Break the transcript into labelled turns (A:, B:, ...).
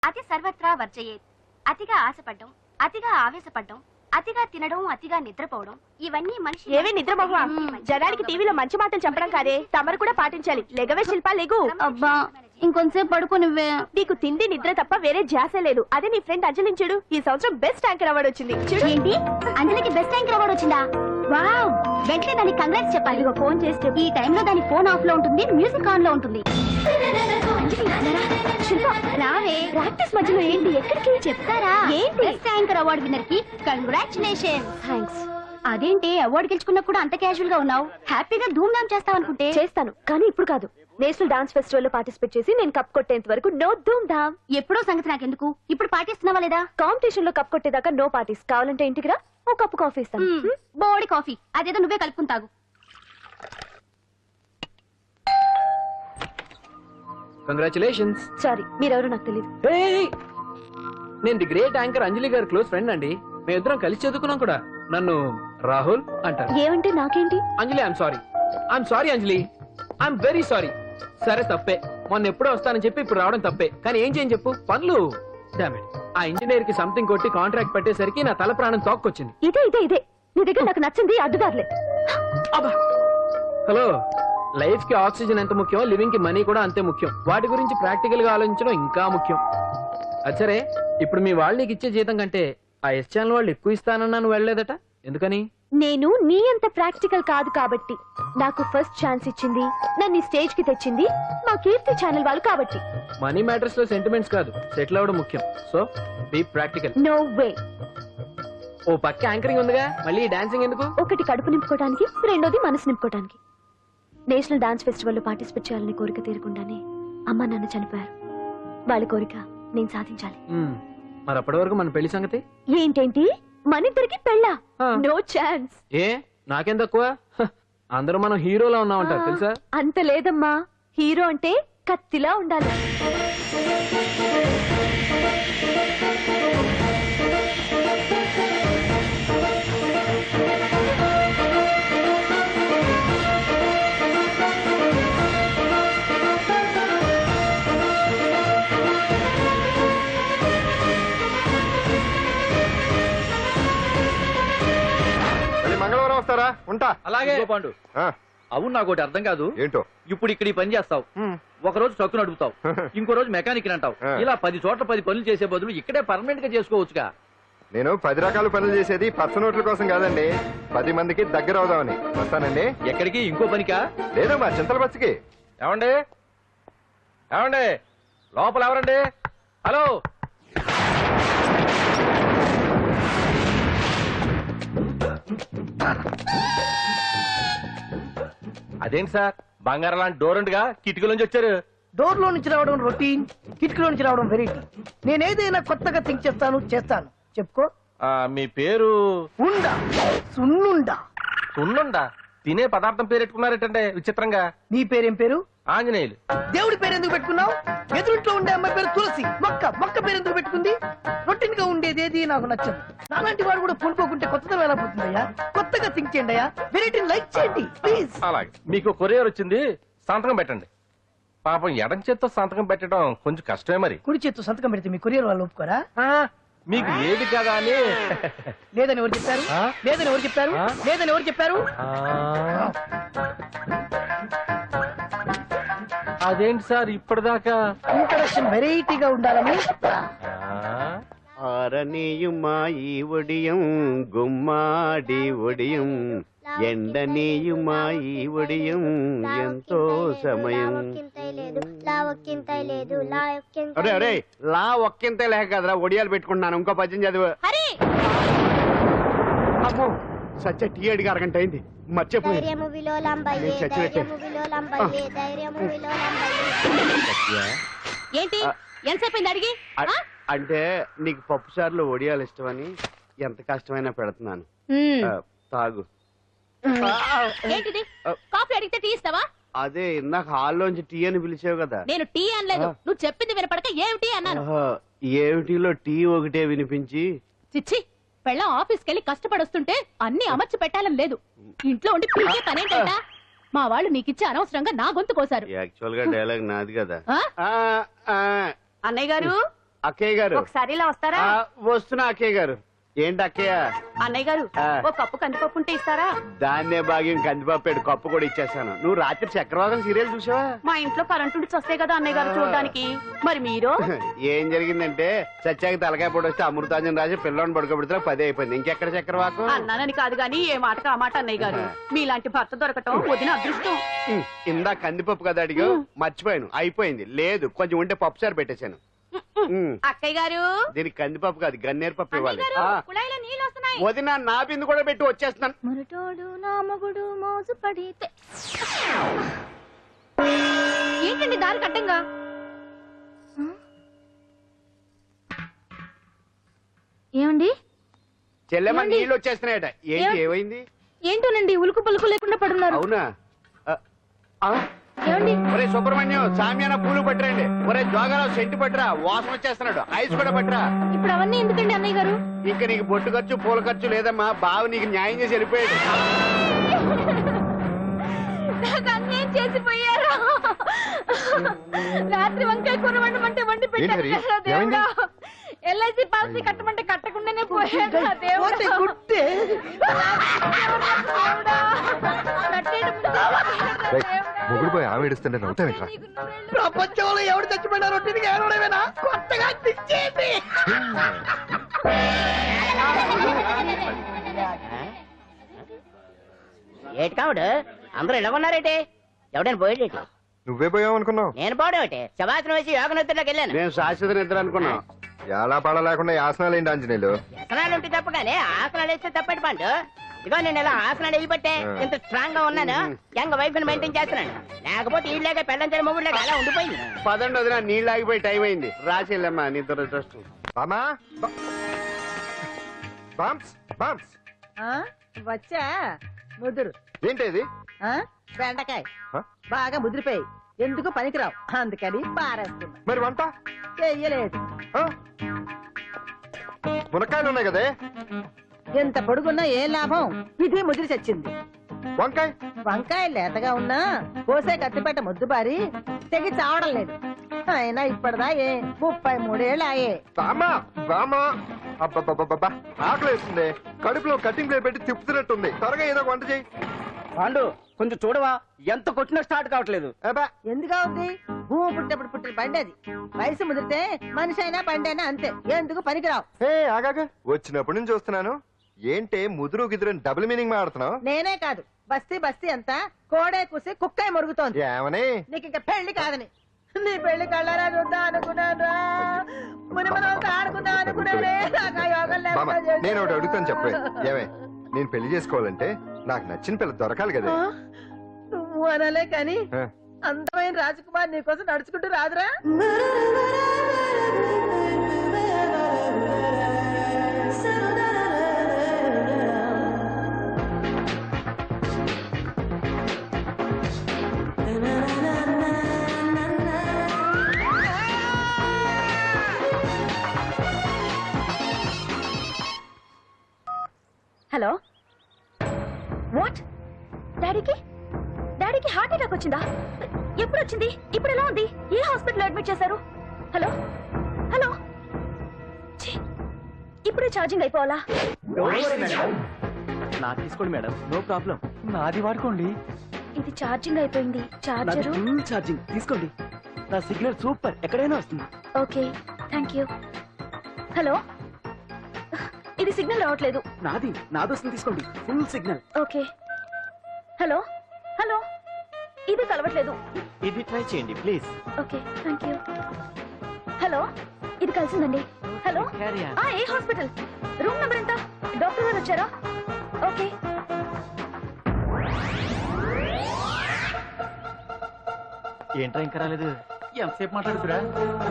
A: అతి సర్వత్రా వర్జయేత్. అతిగా ఆశపడ్డం, అతిగా ఆవేశపడ్డం, అతిగా తినడం, అతిగా నిద్రపోవడం, ఇవన్నీ మనిషి.
B: ఏవే నిద్రమోహ, జనానికి టీవీలో మంచి మాటలు చెప్పడం కాదే, తమరు కూడా పాటించాలి. లెగవే శిల్ప, లెగు.
A: అబ్బా ఇంకొంచెం పడుకోనివ్వే.
B: నీకు తిండి నిద్ర తప్ప వేరే ధ్యాస లేదు. అదే నీ ఫ్రెండ్ అంజలిని చూడు, ఈ సంవత్సరం బెస్ట్ యాంకర్ అవార్డు వచ్చింది. చూడు.
A: ఏంటి, అంజలికి బెస్ట్ యాంకర్ అవార్డు వచ్చిందా? వావ్, వెంటనే దానికి కంగ్రాట్స్ చెప్పాలి.
B: ఫోన్ చేస్తే
A: ఈ టైంలో దాని ఫోన్ ఆఫ్ లో ఉంటుంది, మ్యూజిక్ ఆన్ లో ఉంటుంది.
B: శిల్ప రావే, ప్రాక్టీస్ మధ్యలో ఏంటి, ఎక్కడికి
A: చెప్తారా?
B: ఏంటి?
A: బెస్ట్ యాంకర్ అవార్డు విన్నర్ కి కంగ్రాచులేషన్.
B: థ్యాంక్స్.
A: అదేంటి అవార్డు గెలుచుకున్నా కూడా అంత క్యాజువల్ గా ఉన్నావు? హ్యాపీగా ధూమ్ ధామ్ చేస్తావు అనుకుంటే.
B: చేస్తాను, కానీ ఇప్పుడు కాదు. నేషనల్ డాన్స్ ఫెస్టివల్ లో పార్టిసిపేట్ చేసి నేను కప్ కొట్టేంత వరకు నో ధూమ్ ధామ్.
A: ఎప్పుడో సంగతి నాకెందుకు, ఇప్పుడు పాటిస్తున్నావా లేదా?
B: కాంపిటీషన్ లో కప్ కొట్టేదాకా నో పార్టీస్. కావాలంటే ఇంటికి రా, ఓ కప్పు కాఫీ ఇస్తాను.
A: బోడి కాఫీ, అదేదో నువ్వే కలుపుకుని తాగు.
C: కంగ్రాచులేషన్స్.
B: సారీ, మీరెవరో నాకు తెలియదు.
C: నేను ది గ్రేట్ యాంకర్ అంజలి గారి క్లోజ్ ఫ్రెండ్ అండి. మేమిద్దరం కలిసి చదువుకున్నాం కూడా. నన్ను రాహుల్ అంటారు.
B: ఏమంటే నాకేంటి?
C: Anjali I'm sorry Anjali, I'm very sorry. సరే తప్పే, మొన్న ఎప్పుడో వస్తానని చెప్పి ఇప్పుడు రావడం తప్పే. కానీ ఏం చేయని చెప్పు, పనులు. Damn it. ఆ ఇంజనీర్ కి సంథింగ్ కొట్టి కాంట్రాక్ట్ పెట్టేసరికి నా తల ప్రాణం తోక్కొచ్చింది.
B: ఇదే నీ దగ్గర నాకు నచ్చింది అడ్డుదారులే.
C: హలో, లైఫ్ కి ఆక్సిజన్ ఎంత ముఖ్యం, లివింగ్ కి మనీ కూడా అంతే ముఖ్యం. వాటి గురించి ప్రాక్టికల్ గా ఆలోచించడం ఇంకా ముఖ్యం. అచ్చరే, ఇప్పుడు మీ వాళ్ళు నీకు ఇచ్చే జీతం కంటే ఆ ఎస్ ఛానల్ వాళ్ళు ఎక్కువ ఇస్తానన్నా నువ్వు వెళ్ళలేదట, ఎందుకని?
B: నేను నీ అంత ప్రాక్టికల్ కాదు కాబట్టి. నాకు ఫస్ట్ ఛాన్స్ ఇచ్చింది, నన్ను స్టేజ్ కి తెచ్చింది మా కీర్తి ఛానల్ వాళ్ళు కాబట్టి.
C: మనీ మ్యాటర్స్ లో సెంటిమెంట్స్ కాదు, సెటిల్ అవ్వడం ముఖ్యం. So be practical.
B: No way.
C: ఓ పక్క యాంకరింగ్ ఉందిగా, మళ్ళీ డాన్సింగ్ ఎందుకు?
B: ఒకటి కడుపు నింపుకోవడానికి, రెండోది మనసు నింపుకోవడానికి. నేషనల్ డాన్స్ ఫెస్టివల్ లో పార్టిసిపేట్ చేయాలని కోరిక తీరకుండానే అమ్మ నాన్న చనిపోయారు. వాళ్ళ కోరిక నేను సాధించాలి.
C: మరి అప్పటి వరకు మన పెళ్లి సంగతి
B: ఏంటేంటి, మన ఇద్దరికి పెళ్ళా? No chance.
C: ఏ నాకేం తక్కువ? అందరూ మనం హీరోలా ఉన్నామంటారు తెలుసా?
B: అంత లేదమ్మా, హీరో అంటే కత్తిలా ఉండాలి.
D: మంగళవారం వస్తారా? ఉంటా.
E: అలాగే పాండు. అవును, నాకు ఒకటి అర్థం కాదు.
D: ఏంటో?
E: ఇప్పుడు ఇక్కడ ఈ పని చేస్తావు, ఒక రోజు ట్రక్కు నడుపుతావు, ఇంకో రోజు మెకానిక్ అంటావు. ఇలా 10 చోట్ల 10 పనులు చేసే బదులు ఇక్కడే పర్మనెంట్ గా చేసుకోవచ్చుగా.
D: నేను 10 రకాల పనులు చేసేది పర్స నోట్ల కోసం కాదండి, 10 మందికి దగ్గర అవుదామని. వస్తానండి.
E: ఎక్కడికి? ఇంకో పనికా?
D: లేదు, మా చింతల బస్సుకి.
E: ఏమండి ఏమండి, లోపల ఎవరండి? హలో, అదేంటి సార్, బంగారం లాంటి డోర్ ఉండగా కిటికీ నుంచి వచ్చారు?
F: డోర్ లో నుంచి రావడం రొటీన్, కిటికీలో నుంచి రావడం వెరైటీ. నేనేదైనా కొత్తగా థింక్ చేస్తాను. చెప్పుకో.
E: మీ పేరు?
F: ఉండా, సున్నుండా.
E: సున్నుండా? తినే పదార్థం పేరు పెట్టుకున్నారేటంటే విచిత్రంగా.
F: నీ పేరేం పేరు?
E: ఆంజనేయులు.
F: దేవుడి పేరు ఎందుకు పెట్టుకున్నావు? ఎదురుంట్లో ఉండే అమ్మాయి పేరు తులసి. మొక్క పేరు ఎందుకు పెట్టుకుంది? రొటీన్ గా ఉండేది ఏది నాకు నచ్చదు. నాలాంటి వాడు కూడా పూనుకోకుంటే కొత్తదనం ఎలా పడుతుందయ్యా? కొత్తగా థింక్ చేయండి అయ్యా, వెరైటీని లైక్ చేయండి ప్లీజ్.
E: అలాగే, మీకు కొరియర్ వచ్చింది, సంతకం పెట్టండి. పాపం ఎడం చేత్తో సంతకం పెట్టడం కొంచెం కష్టమే. మరి
F: కుడి చేత్తు సంతకం పెడితే మీ కొరియర్ వాళ్ళు ఒప్పుకోరా?
E: మీకు ఏది కదా అని.
F: లేదని ఎవరు చెప్పారు? లేదని ఎవరు చెప్పారు? లేదని ఎవరు చెప్పారు?
E: అదేంటి సార్ ఇప్పటిదాకా
F: ఇంట్రడక్షన్ వెరైటీగా ఉండాలని.
G: ఆరనీయుమాయి ఒడియం గుమ్మాడి ఒడియం ఎండనీయుమాయి ఒడియం ఎంతో సమయం. అరే అరే, లా ఒక్కింతే లేక కదరా ఒడియాలు పెట్టుకుంటున్నాను. ఇంకో పద్యం చదువు. అమ్మో, సత్య టీ అడిగి అరగంట అయింది, మర్చిపోయి.
B: ఏంటి ఎంతసేపు అడిగి?
G: అంటే నీకు పప్పు సార్లు ఒడియాలు ఇష్టమని ఎంత కష్టమైనా పెడుతున్నాను. తాగు.
B: ఏంటిది, కాఫీ అడిగితే టీ ఇస్తావా?
G: అదే ఇందాక హాల్లోంచి టీ అని పిలిచావు కదా.
B: నేను టీ అనలేదు, నువ్వు చెప్పింది వినపడక ఏమిటి అన్నాను.
G: ఏమిటిలో టీ ఒకటే వినిపించి.
B: చిచ్చి, పెళ్ళం ఆఫీస్కి వెళ్ళి కష్టపడొస్తుంటే అన్ని అమర్చి పెట్టాలని లేదు. ఇంట్లో ఉండి పీకే పనేంటా? మా వాళ్ళు నీకిచ్చి అనవసరంగా నా గొంతు కోసారు.
G: యాక్చువల్ గా డైలాగ్ నాది కదా.
B: అన్నయ్య గారు,
G: అక్కయ్య గారు
A: ఒకసారి ఇలా వస్తారా?
G: వస్తున్నా అక్కయ్య గారు. ఏంటి అక్కయ్య?
A: అన్నయ్య గారు
G: ఆ.
A: ఓ కప్పు కందిపప్పు ఉంటే ఇస్తారా?
G: దాన్నే భాగ్యం కందిపప్పేడు కప్పు కూడా ఇచ్చేస్తాను. నువ్వు రాత్రి చక్రవాదం సీరియల్ చూసావా?
A: మా ఇంట్లో కరెంటు ఉండి వస్తాయి కదా అన్నయ్య గారు చూడడానికి. మరి మీరు?
G: ఏం జరిగిందంటే సత్యాకి తలకాయ పొడి వస్తే అమృతాంజన్ రాజు పిల్లని పడుకోబెడితే 10 అయిపోయింది. ఇంకెక్కడ చక్రవాకం?
A: అన్నానని కాదు గాని ఏ మాటకు ఆ మాట అన్నయ్య గారు. మీలాంటి భర్త దొరకటం వదిన అదృష్టం.
G: ఇందా కందిపప్పు కదా అడిగా, మర్చిపోయాను. అయిపోయింది. లేదు కొంచెం ఉంటే పప్పు సార్ పెట్టేశాను.
A: అక్కయ్య గారు
G: దీనికి కందిపప్పు కాదు గన్నేరు పప్పు ఇవ్వాలి.
A: కుళాయిలో నీళ్ళు వస్తున్నాయి.
G: వదిన నా బిందు కూడా పెట్టి వచ్చేస్తున్నాను.
B: మురటోడు నా మగుడు మోజు పడితే.
A: ఏంటండి దారి కట్టంగా?
B: ఏమండి?
G: చెల్లెమ్మ
B: ఏమండి?
G: నీళ్ళు వచ్చేస్తున్నాయట. ఏంటి ఏమైంది?
B: ఏంటోనండి ఉలుకు పలుకు లేకుండా పడున్నారు.
G: అవునా?
B: ఏమండి?
G: ఒరే సుబ్రహ్మణ్యం సామ్యాన పూలు పట్టరండి. ఒరే జోగారావు సెంటు పట్టరా, వాసన వచ్చేస్తున్నాడు. ఐస్ కూడా పట్టరా.
B: ఇప్పుడు అవన్నీ ఎందుకండి అన్నయ్య గారు?
G: ఇంకా నీకు బొట్టు ఖర్చు పూల ఖర్చు లేదమ్మా. బావ నీకు న్యాయం చేసి వెళ్ళిపోయాడు.
B: నాకు అన్యాయం చేసిపోయారు. రాత్రి వంకాయ కూర వండమంటే వండి పెట్టారు
D: ఏంటి
B: కదా
D: హరి? ఏమైంది?
B: దేవుడా. ఎల్ఐసి పాలసీ కట్టమంటే కట్టకుండానే పోయాడు నా దేవుడా.
F: పోతే గుట్టే.
B: దేవుడా. కట్టేయడం ముందు దేవుడా.
D: మొగుడు పోయి ఆమె ఏడుస్తుంటే నవ్వుతావేట్రా?
B: నీకు నువ్వెళ్ళు.
F: ప్రపంచంలో ఎవరు చచ్చిపోయినా రొట్టిని ఏడవడమేనా? కొత్తగా తెచ్చేయండి.
H: ఏటి కావుడు అందరూ ఇలా ఉన్నారేటి? ఎవడైనా పోయేటి?
D: నువ్వే పోయావు అనుకున్నావు.
H: నేను పోవడం ఏంటి? శవాసనం వేసి యోగ నిద్రలోకి వెళ్ళాను.
G: నేను శాశ్వత నిద్ర అనుకున్నా.
D: ఎలా పాడ లేకుండా యాసనాలు ఏంటి ఆంజనేయులు?
H: వ్యసనాలు ఉంటే తప్ప కానీ ఆసనాలు వేస్తే తప్పటి పండు. ఇదిగో నేను ఇలా ఆసనాలు వేయబట్టే ఇంత స్ట్రాంగ్ గా ఉన్నాను. యంగ్ వైఫ్ ని మెయింటైన్ చేస్తున్నాను. లేకపోతే ఈ లేక పెళ్ళంచని మొగుడు అలా ఉండిపోయింది.
G: పదండి వదిన, నీళ్ళు ఆగిపోయి టైం అయింది. రాసి వెళ్ళమ్మా నీ దురదృష్టం.
D: బామా బామ్స్ బామ్స్
I: వచ్చా ముదురు
D: ఏంటి
I: బెండకాయ
D: ఆ?
I: బాగా ముదిరిపోయి ఎందుకు పనికిరావు అందుకని పారేస్తున్నా.
D: మరి వంట
I: చెయ్యలేదు.
D: ఆ? మునక్కాయలు ఉన్నాయి కదే.
I: ఎంత పొడుగున్నా ఏం లాభం? ఇది ముదిరి చచ్చింది.
D: వంకాయ
I: వంకాయ లేతగా ఉన్నా కోసే కత్తిపేట ముద్దు బారి తెగి చావడం లేదు. అయినా ఇప్పటిదా 33 ఏళ్ళు ఆయే.
D: బామా బామా అబ్బబ్బబ్బబ్బా ఆకలేస్తుంది. కడుపులో కటింగ్ ప్లేట్ పెట్టి తిప్పుతున్నట్టుంది. త్వరగా ఏదో వంట చేయి.
E: పాండు కొంచెం చూడవా, ఎంత కొట్టినా స్టార్ట్ కావట్లేదు.
D: అబ్బా
I: ఎందుగా ఉంది? భూమి పుట్టినప్పుడు పుట్టిన బండి అది. వయసు ముదిరితే మనిషి అయినా బండి అయినా అంతే. ఎందుకు పనికిరావు.
D: ఏ ఆగాగా వచ్చినప్పటి నుంచి చూస్తున్నాను. ఏంటే ముదురు గిదురు డబుల్ మీనింగ్ మాడుతున్నావు?
I: నేనే కాదు బస్తీ బస్తీ అంతా కోడే కూసి కుక్కే మురుగుతోంది.
D: ఏమని?
I: నీకు ఇంకా పెళ్లి కాదని. నీ పెళ్లి కళ్ళారా చూద్దాం అనుకున్నాను. మునిమనంతా ఆడుకుందాం అనుకున్నానే. నాకు ఆ యోగం
D: బామ్మ
I: లేకుండా
D: నేను ఒకటి
I: చేశారు.
D: అడుగుతాను చెప్పే. ఏమే నేను పెళ్లి చేసుకోవాలంటే నాకు నచ్చిన పిల్ల దొరకాలి కదా.
I: ఆ? నువ్వు అనలే కాని
D: ఆ.
I: అందమైన రాజకుమార్ నీకోసం నడుచుకుంటూ రాదురా.
B: Hello what? డాడీకి హార్ట్ అటాక్ వచ్చిందా? ఎప్పుడు వచ్చింది? ఇప్పుడు ఎలా ఉంది? ఏ హాస్పిటల్ అడ్మిట్ చేశారు? హలో హలో ఛీ, ఇప్పుడే ఛార్జింగ్ అయిపోవాలా?
C: నాకు తీసుకోండి మేడం, నో ప్రాబ్లం. నాది వాడుకోండి.
B: ఇది ఛార్జింగ్ అయిపోయింది. చార్జరు
C: ఫుల్ ఛార్జింగ్ తీసుకోండి. నా సిగ్నల్ సూపర్, ఎక్కడైనా వస్తుంది.
B: Okay thank you. హలో ఇది సిగ్నల్ రావట్లేదు.
C: నాది వస్తుంది, తీసుకోండి. Full signal.
B: Okay hello hello ఇది కలవట్లేదు.
C: ఇది ట్రై చేయండి please.
B: Okay thank you. Hello ఇది కలిసిందండి. హలో ఏ హాస్పిటల్? రూమ్ నెంబర్ ఎంత? డాక్టర్ గారు వచ్చారా? ఓకే
C: ఏంట్రా ఇంకా రాలేదు? ఎంతసేపు మాట్లాడుతురా?